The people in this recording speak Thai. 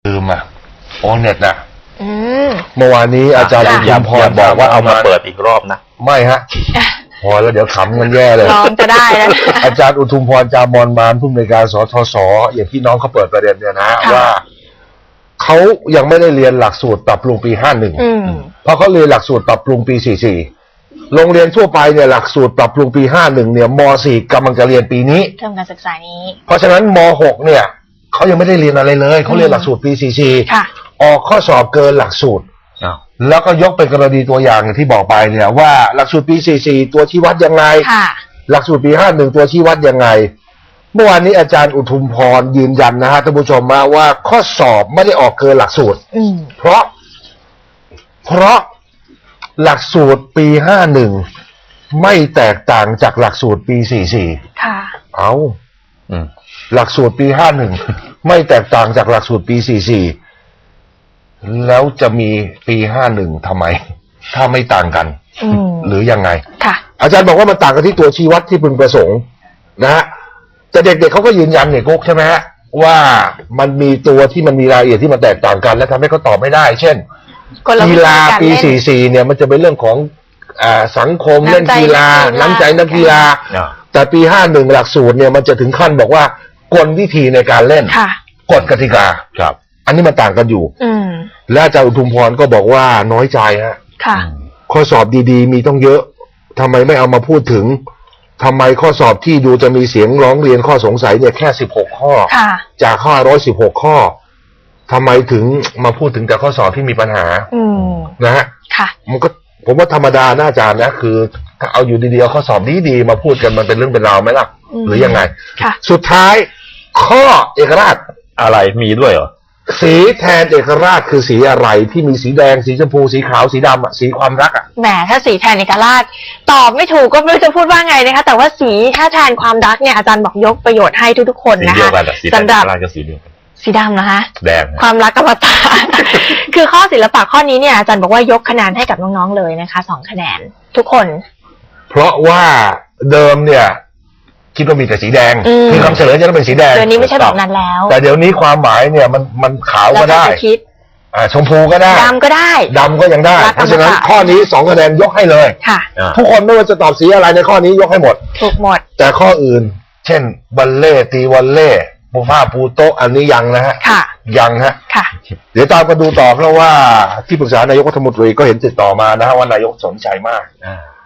ลืมโอเน็ตนะเมื่อวานนี้อาจารย์อย่าอุทุมพรบอกว่าเอามาเปิดอีกรอบนะไม่ฮะพอแล้วเดี๋ยวขำกันแย่เลยลองจะได้แล้วอาจารย์อุทุมพรจามอนมานผู้อำนวยการสทศอย่างที่น้องเขาเปิดประเด็นเนี่ยนะว่าเขายังไม่ได้เรียนหลักสูตรปรับปรุงปี51เพราะเขาเรียนหลักสูตรปรับปรุงปี44โรงเรียนทั่วไปเนี่ยหลักสูตรปรับปรุงปี51เนี่ยม.4 กำลังจะเรียนปีนี้เทอมการศึกษานี้เพราะฉะนั้นม.6เนี่ยเขายังไม่ได้เรียนอะไรเลยเขาเรียนหลักสูตรปี44ออกข้อสอบเกินหลักสูตรแล้วก็ยกเป็นกรณีตัวอย่างอย่างที่บอกไปเนี่ยว่าหลักสูตรปี44ตัวชี้วัดยังไงหลักสูตรปี51ตัวชี้วัดยังไงเมื่อวานนี้อาจารย์อุทุมพรยืนยันนะฮะท่านผู้ชมมาว่าข้อสอบไม่ได้ออกเกินหลักสูตรเพราะหลักสูตรปี51ไม่แตกต่างจากหลักสูตรปี44 ค่ะหลักสูตรปี51ไม่แตกต่างจากหลักสูตรปี44แล้วจะมีปี51ทำไมถ้าไม่ต่างกันหรือยังไงค่ะอาจารย์บอกว่ามันต่างกันที่ตัวชี้วัดที่พึงประสงค์นะฮะแต่เด็กๆเขาก็ยืนยันเนี่ยกุ๊กใช่ไหมฮะว่ามันมีตัวที่มันมีรายละเอียดที่มันแตกต่างกันและทำให้เขาตอบไม่ได้เช่นกีฬาปี44เนี่ยมันจะเป็นเรื่องของสังคมเล่นกีฬาน้ำใจนักกีฬาแต่ปี51หลักสูตรเนี่ยมันจะถึงขั้นบอกว่ากลวิธีในการเล่นกฎกติกาครับอันนี้มันต่างกันอยู่และอาจารย์อุทุมพรก็บอกว่าน้อยใจฮะข้อสอบดีๆมีต้องเยอะทำไมไม่เอามาพูดถึงทำไมข้อสอบที่ดูจะมีเสียงร้องเรียนข้อสงสัยเนี่ยแค่16ข้อจากข้อ116ข้อทำไมถึงมาพูดถึงแต่ข้อสอบที่มีปัญหานะฮะมันก็ผมว่าธรรมดานะอาจารย์นะคือถ้าเอาอยู่ดีๆเอาข้อสอบดีๆมาพูดกันมันเป็นเรื่องเป็นราวไหมล่ะหรือยังไงสุดท้ายข้อเอกราชอะไรมีด้วยเหรอสีแทนเอกราชคือสีอะไรที่มีสีแดงสีชมพูสีขาวสีดำสีความรักแหมถ้าสีแทนเอกราชตอบไม่ถูกก็ไม่รู้จะพูดว่าไงนะคะแต่ว่าสีถ้าแทนความรักเนี่ยอาจารย์บอกยกประโยชน์ให้ทุกๆคนนะคะสำหรับสีดำนะคะแดงความรักกับตาคือข้อศิลปะข้อนี้เนี่ยอาจารย์บอกว่ายกคะแนนให้กับน้องๆเลยนะคะ2คะแนนทุกคนเพราะว่าเดิมเนี่ยคิดว่ามีแต่สีแดงคือคำเฉลยจะต้องเป็นสีแดงเดี๋ยวนี้ไม่ใช่แบบนั้นแล้วแต่เดี๋ยวนี้ความหมายเนี่ยมันขาวก็ได้ชมพูก็ได้ดำก็ได้ดำก็ยังได้เพราะฉะนั้นข้อนี้2คะแนนยกให้เลยค่ะทุกคนไม่ว่าจะตอบสีอะไรในข้อนี้ยกให้หมดถูกหมดแต่ข้ออื่นเช่นบัลเล่ตีวัลเล่ปูผ้าปูโต๊ะอันนี้ยังนะฮะยังฮะเดี๋ยวตามกันดูต่อเพราะว่าที่ปรึกษานายกรัฐมนตรีก็เห็นติดต่อมานะฮะว่านายกสนใจมาก